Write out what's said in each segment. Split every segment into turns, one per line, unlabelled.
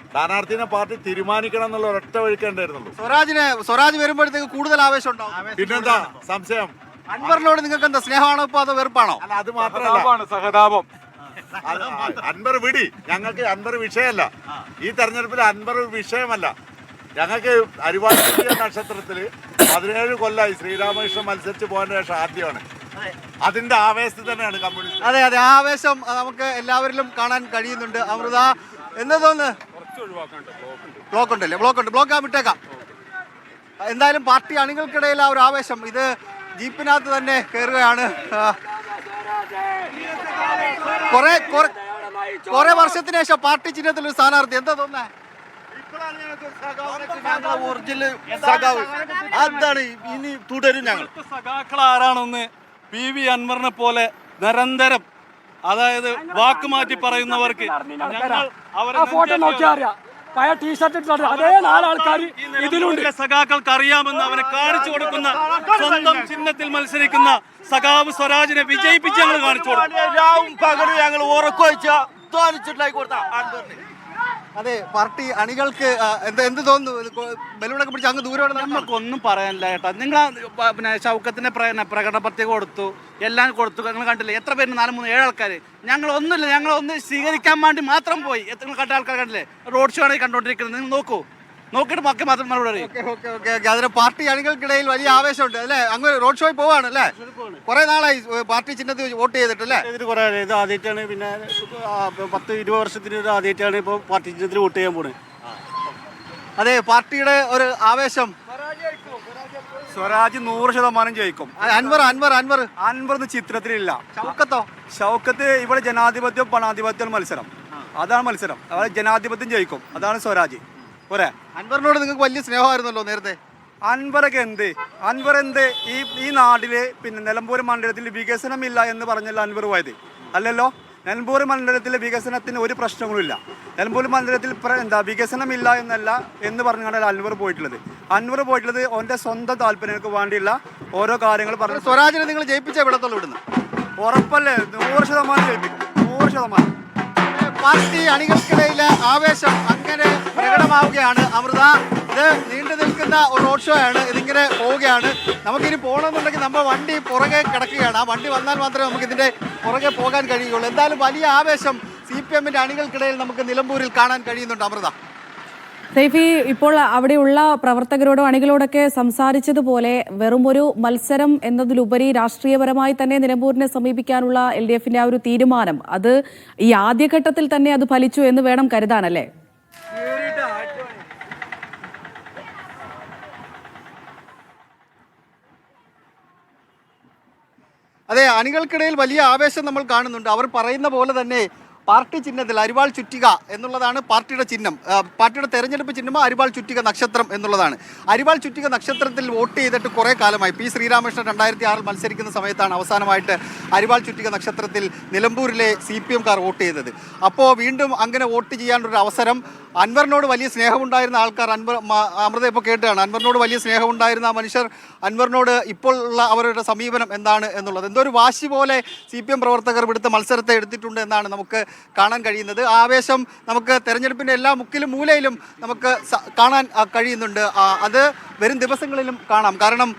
സ്ഥാനാർത്ഥിനെ party തീരുമാനിക്കണം എന്നുള്ള ഒരൊറ്റ വഴിക്കേണ്ടായിരുന്നുള്ളൂ.
സ്വരാജ് വരുമ്പോഴത്തേക്ക് കൂടുതൽ ആവേശം ഉണ്ടാവും.
പിന്നെന്താ സംശയം?
അൻവറിനോട് നിങ്ങൾക്ക് എന്താ സ്നേഹമാണോ ഇപ്പൊ അതോ വെറുപ്പാണോ?
അല്ല, അത് മാത്രമല്ല, സഹതാപം. അൻവർ വിടി, ഞങ്ങൾക്ക് അൻവർ വിഷയമല്ല. ഈ തെരഞ്ഞെടുപ്പിൽ അൻവർ വിഷയമല്ല. ഞങ്ങൾക്ക് അരിവാൾ നക്ഷത്രത്തിൽ 17 കൊല്ലമായി ശ്രീരാമകൃഷ്ണൻ മത്സരിച്ച് പോകാൻ ശേഷം ആദ്യമാണ്. അതിന്റെ ആവേശത്തിൽ തന്നെയാണ് കമ്മ്യൂണിസ്റ്റ്.
അതെ അതെ, ആവേശം നമുക്ക് എല്ലാവരിലും കാണാൻ കഴിയുന്നുണ്ട്. അമൃത എന്താ തോന്നുന്നു? ബ്ലോക്ക് വിട്ടേക്കാം. എന്തായാലും പാർട്ടി അണികൾക്കിടയിൽ ആ ഒരു ആവേശം, ഇത് ജീപ്പിനകത്ത് തന്നെ കയറുകയാണ്. കുറെ വർഷത്തിന് ശേഷം പാർട്ടി ചിഹ്നത്തിൽ ഒരു സ്ഥാനാർത്ഥി, എന്താ തോന്നുന്നത്?
അതാണ് ഇനി തുടരും. ഞങ്ങൾ
സഖാക്കൾ ആരാണെന്ന് PV അൻവറിനെ പോലെ നിരന്തരം, അതായത് വാക്ക് മാറ്റി പറയുന്നവർക്ക്
ഫോട്ടോ നോക്കിയാൽ അറിയാം. അതേ 4 ആൾക്കാർ ഇതിലുണ്ട്.
സഖാക്കൾക്ക് അറിയാമെന്ന് അവനെ കാണിച്ചു കൊടുക്കുന്ന, സ്വന്തം ചിഹ്നത്തിൽ മത്സരിക്കുന്ന സഖാവ് സ്വരാജിനെ വിജയിപ്പിച്ച് ഞങ്ങൾ കാണിച്ചു കൊടുക്കും.
ഞങ്ങൾ ഉറക്കൊഴിച്ച
അതെ, പാർട്ടി അണികൾക്ക് എന്ത് തോന്നുന്നു? ബലൂണൊക്കെ പിടിച്ച് അങ്ങ് ദൂരം
നമുക്കൊന്നും പറയാനില്ല ചേട്ടാ. നിങ്ങൾ പിന്നെ ഷൗക്കത്തിന്റെ പ്രകടന പത്രിക കൊടുത്തു, എല്ലാം കൊടുത്തു. നിങ്ങൾ കണ്ടില്ലേ എത്ര പേര്? 4, 3, 7 ആൾക്കാർ. ഞങ്ങളൊന്നുമില്ല, ഞങ്ങളൊന്ന് സ്വീകരിക്കാൻ വേണ്ടി മാത്രം പോയി. എത്ര കണ്ട ആൾക്കാർ കണ്ടില്ലേ? റോഡ് ഷോ ആണ് കണ്ടോണ്ടിരിക്കുന്നത്. നിങ്ങൾ നോക്കിയിട്ട് ബാക്കി മാത്രം മറുപടി.
അതിന് പാർട്ടി അണികൾക്കിടയിൽ വലിയ ആവേശമുണ്ട് അല്ലേ? അങ്ങ് റോഡ് ഷോയിൽ പോവാണ് അല്ലേ? കുറെ നാളായി പാർട്ടി ചിഹ്നത്തിൽ വോട്ട് ചെയ്തിട്ടല്ലേ?
കുറെ ഇത് ആദ്യമായിട്ടാണ്, പിന്നെ 10-20 വർഷത്തിന് ആദ്യമായിട്ടാണ് ഇപ്പോൾ പാർട്ടി ചിഹ്നത്തിൽ വോട്ട് ചെയ്യാൻ പോണത്.
അതെ, പാർട്ടിയുടെ ഒരു ആവേശം.
സ്വരാജ് 100% ജയിക്കും.
അൻവർ
ചിത്രത്തിലില്ല.
ഷൗക്കത്ത്
ഇവിടെ ജനാധിപത്യം പണാധിപത്യം മത്സരം, അതാണ് മത്സരം. അതായത് ജനാധിപത്യം ജയിക്കും, അതാണ് സ്വരാജ്.
അൻവറിനോട് നിങ്ങൾക്ക് വലിയ സ്നേഹമായിരുന്നല്ലോ നേരത്തെ.
അൻവർ എന്ത് ഈ നാട്ടില് പിന്നെ നിലമ്പൂർ മണ്ഡലത്തിൽ വികസനമില്ല എന്ന് പറഞ്ഞല്ലോ അൻവർ പോയത്? അല്ലല്ലോ. നിലമ്പൂർ മണ്ഡലത്തിലെ വികസനത്തിന് ഒരു പ്രശ്നങ്ങളുമില്ല. നിലമ്പൂർ മണ്ഡലത്തിൽ വികസനമില്ല എന്നല്ല എന്ന് പറഞ്ഞാണ് അൻവർ പോയിട്ടുള്ളത്. അവൻ്റെ സ്വന്തം താല്പര്യങ്ങൾക്ക് വേണ്ടിയുള്ള ഓരോ കാര്യങ്ങൾ പറഞ്ഞു.
സ്വരാജിനെ നിങ്ങൾ ജയിപ്പിച്ചേ വിടത്തുള്ളൂ ഇവിടുന്ന്?
ഉറപ്പല്ലേ? 100% ജയിപ്പിക്കും, 100%.
പാർട്ടി അണികൾക്കിടയിലെ ആവേശം അങ്ങനെ പ്രകടമാവുകയാണ്. അമൃത, ഇത് നീണ്ടു നിൽക്കുന്ന ഒരു റോഡ് ഷോ ആണ്. ഇതിങ്ങനെ പോവുകയാണ്. നമുക്കിനി പോകണമെന്നുണ്ടെങ്കിൽ നമ്മുടെ വണ്ടി പുറകെ കിടക്കുകയാണ്. ആ വണ്ടി വന്നാൽ മാത്രമേ നമുക്ക് ഇതിൻ്റെ പുറകെ പോകാൻ കഴിയുള്ളൂ. എന്തായാലും വലിയ ആവേശം CPM-ന്റെ അണികൾക്കിടയിൽ നമുക്ക് നിലമ്പൂരിൽ കാണാൻ കഴിയുന്നുണ്ട്. അമൃത,
സൈഫി, ഇപ്പോൾ അവിടെയുള്ള പ്രവർത്തകരോടും അണികളോടൊക്കെ സംസാരിച്ചതുപോലെ വെറും ഒരു മത്സരം എന്നതിലുപരി രാഷ്ട്രീയപരമായി തന്നെ നിലമ്പൂരിനെ സമീപിക്കാനുള്ള LDF-ന്റെ ആ ഒരു തീരുമാനം, അത് ഈ ആദ്യഘട്ടത്തിൽ തന്നെ അത് ഫലിച്ചു എന്ന് വേണം കരുതാനല്ലേ?
അതെ, അണികൾക്കിടയിൽ വലിയ ആവേശം നമ്മൾ കാണുന്നുണ്ട്. അവർ പറയുന്ന പോലെ തന്നെ പാർട്ടി ചിഹ്നത്തിൽ അരിവാൾ ചുറ്റിക എന്നുള്ളതാണ് പാർട്ടിയുടെ ചിഹ്നം. പാർട്ടിയുടെ തെരഞ്ഞെടുപ്പ് ചിഹ്നമോ അരിവാൾ ചുറ്റിക നക്ഷത്രം എന്നുള്ളതാണ്. അരിവാൾ ചുറ്റിക നക്ഷത്രത്തിൽ വോട്ട് ചെയ്തിട്ട് കുറേ കാലമായി. P. ശ്രീരാമകൃഷ്ണൻ 2006 മത്സരിക്കുന്ന സമയത്താണ് അവസാനമായിട്ട് അരിവാൾ ചുറ്റിക നക്ഷത്രത്തിൽ നിലമ്പൂരിലെ CPM-കാർ വോട്ട് ചെയ്തത്. അപ്പോൾ വീണ്ടും അങ്ങനെ വോട്ട് ചെയ്യാനൊരു അവസരം. അൻവറിനോട് വലിയ സ്നേഹമുണ്ടായിരുന്ന ആൾക്കാർ, അമൃത ഇപ്പോൾ കേട്ടാണ്, അൻവറിനോട് വലിയ സ്നേഹമുണ്ടായിരുന്ന ആ മനുഷ്യർ അൻവറിനോട് ഇപ്പോൾ ഉള്ള അവരുടെ സമീപനം എന്താണ് എന്നുള്ളത്, എന്തോ ഒരു വാശി പോലെ CPM പ്രവർത്തകർ ഇവിടുത്തെ മത്സരത്തെ എടുത്തിട്ടുണ്ട് എന്നാണ് നമുക്ക് കാണാൻ കഴിയുന്നത്. ആവേശം നമുക്ക് തെരഞ്ഞെടുപ്പിൻ്റെ എല്ലാ മുക്കിലും മൂലയിലും നമുക്ക് കാണാൻ കഴിയുന്നുണ്ട്. അത് വരും ദിവസങ്ങളിലും കാണാം. കാരണം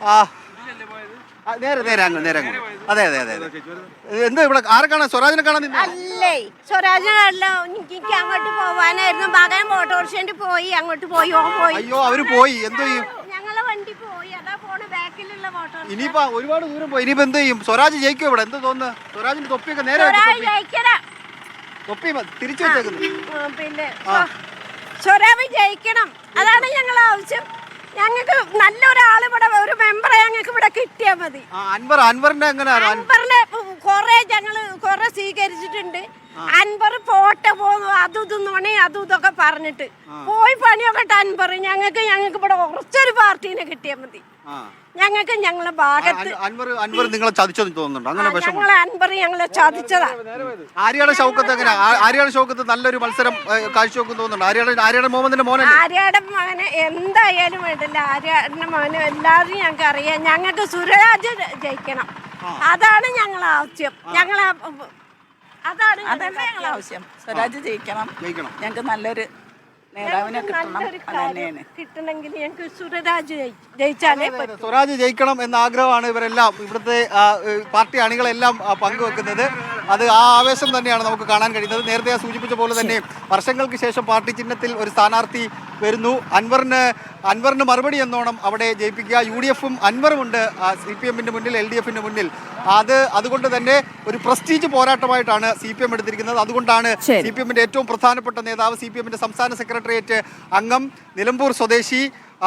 നേരെ അങ്ങ് അതെ. എന്താ ഇവിടെ ആരെ കാണാൻ? സ്വരാജിനെ കാണാൻ?
അല്ലേ, സ്വരാജിനല്ല, എനിക്ക് അങ്ങോട്ട് പോവാനായിരുന്നു. മകൻ ഓട്ടോറിക്ഷ പോയി, അങ്ങോട്ട് പോയി.
അയ്യോ, അവര് പോയി. എന്തോ ചെയ്യും?
ഞങ്ങളെ വണ്ടി പോയി, അതാ പോണ് ബാക്കിലുള്ള ഓട്ടോറിക്ഷ.
ഇനിയിപ്പോ ഒരുപാട് ദൂരം പോയി. ഇനിയിപ്പോ എന്ത് ചെയ്യും? സ്വരാജ് ജയിക്കും ഇവിടെ? എന്ത് തോന്നുന്നു? സ്വരാജിന്റെ തൊപ്പിയൊക്കെ നേരെ തൊപ്പി തിരിച്ചു വെച്ചേക്കുന്നു.
പിന്നെ സ്വരാജ് ജയിക്കണം, അതാണ് ഞങ്ങൾ ആവശ്യം. ഞങ്ങൾക്ക് നല്ലൊരാൾ ഇവിടെ, ഒരു മെമ്പറെ ഞങ്ങൾക്ക് ഇവിടെ കിട്ടിയാൽ മതി.
അൻവറിന്റെ
അൻവറിനെ കുറെ സ്വീകരിച്ചിട്ടുണ്ട്. അൻവർ പോട്ടെ പോകുന്നു, അതും ഇതൊക്കെ പറഞ്ഞിട്ട് പോയി പണിയൊക്കെ അൻവർ. ഞങ്ങൾക്ക് ഇവിടെ കുറച്ചൊരു പാർട്ടീനെ കിട്ടിയാൽ മതി. ഞങ്ങൾക്ക് ഞങ്ങളെ ഭാഗത്ത്
അൻവർ നിങ്ങളെ ചതിച്ചെന്ന് തോന്നുന്നുണ്ടോ?
ഞങ്ങളെ ചതിച്ചതാ.
ആര്യാടെ ഷൗക്കത്ത് നല്ലൊരു മത്സരം കാഴ്ചവെക്കും തോന്നുന്നുണ്ട്. ആര്യാടെ മുഹമ്മദിന്റെ മോനെ,
ആര്യാടെ മകനെ എന്തായാലും വേണ്ടില്ല. ആര്യാടെ മകനെ എല്ലാവരും ഞങ്ങൾക്ക് അറിയാം. ഞങ്ങൾക്ക് സുരാജ് ജയിക്കണം, അതാണ് ഞങ്ങളെ ആവശ്യം. അതാണ് ഞങ്ങളെ ആവശ്യം.
സ്വരാജ് ജയിക്കണം. ഞങ്ങൾക്ക് നല്ലൊരു നേതാവിനെ കിട്ടണം
നല്ലൊരു
അത് തന്നെയാണ്.
കാര്യം കിട്ടണമെങ്കിൽ ഞങ്ങൾക്ക് സുരരാജ് ജയിച്ചാലേ പറ്റൂ.
സ്വരാജ് ജയിക്കണം എന്ന ആഗ്രഹമാണ് ഇവരെല്ലാം ഇവിടുത്തെ പാർട്ടി അണികളെല്ലാം പങ്കുവെക്കുന്നത്. അത് ആ ആവേശം തന്നെയാണ് നമുക്ക് കാണാൻ കഴിയുന്നത്. നേരത്തെ ഞാൻ സൂചിപ്പിച്ച പോലെ തന്നെ വർഷങ്ങൾക്ക് ശേഷം പാർട്ടി ചിഹ്നത്തിൽ ഒരു സ്ഥാനാർത്ഥി വരുന്നു. അൻവറിന് മറുപടി എന്നോണം അവിടെ ജയിപ്പിക്കുക. UDF-ഉം അൻവറും ഉണ്ട് CPM-ന്റെ മുന്നിൽ, LDF-ന്റെ മുന്നിൽ. അതുകൊണ്ട് തന്നെ ഒരു പ്രസ്റ്റീജ് പോരാട്ടമായിട്ടാണ് CPM എടുത്തിരിക്കുന്നത്. അതുകൊണ്ടാണ് CPM-ന്റെ ഏറ്റവും പ്രധാനപ്പെട്ട നേതാവ്, CPM-ന്റെ സംസ്ഥാന സെക്രട്ടേറിയറ്റ് അംഗം, നിലമ്പൂർ സ്വദേശി,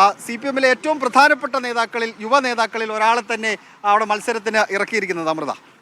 CPM-ലെ ഏറ്റവും പ്രധാനപ്പെട്ട നേതാക്കളിൽ, യുവ നേതാക്കളിൽ ഒരാളെ തന്നെ അവിടെ മത്സരത്തിന് ഇറക്കിയിരിക്കുന്നത്. അമൃത.